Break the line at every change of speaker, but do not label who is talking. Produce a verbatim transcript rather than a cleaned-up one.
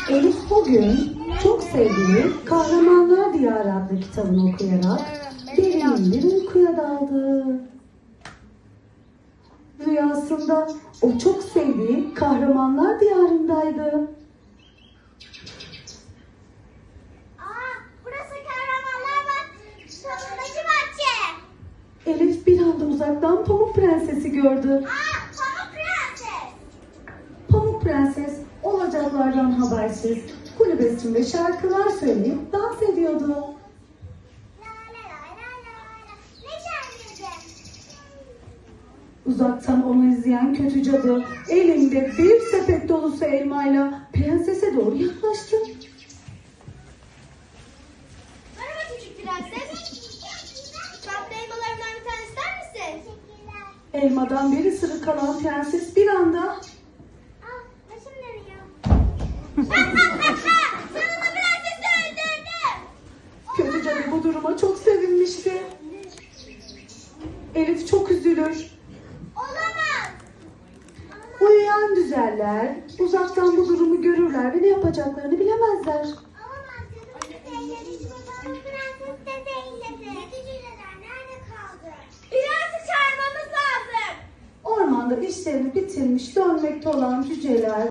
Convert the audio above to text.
Elif bugün çok sevdiği Kahramanlar Diyarı adlı kitabını okuyarak derin bir uykuya daldı. Rüyasında o çok sevdiği Kahramanlar Diyarı'ndaydı.
Aa, burası Kahramanlar Bahçesi'ndeki bahçe.
Elif bir anda uzaktan Pamuk Prenses'i gördü.
Aa, Pamuk Prenses.
Pamuk Prenses olacaklardan habersiz kulübesinde şarkılar söyleyip dans ediyordu.
La la la la la la. Ne şarkıydı?
Uzaktan onu izleyen kötü cadı elinde bir sepet dolusu elmayla prensese doğru yaklaştı.
Merhaba küçük prenses. Tatlı elmalarımdan bir tane ister misin? Teşekkürler.
Elmadan bir ısırık alan prenses bir anda
Aa, başım dönüyor. Sonunda prensesi öldürdüm.
kötü cadı bu duruma çok sevinmişti. Elif çok üzülür.
Olamaz.
Uyuyan düzeller uzaktan bu durumu görürler ve ne yapacaklarını bilemezler.
Olamaz. Zehirledi. Pamuk Prenses de zehirledi. Yeticiler nerede kaldı? Prensi çağırmamız lazım.
Ormanda işlerini bitirmiş dönmekte olan cüceler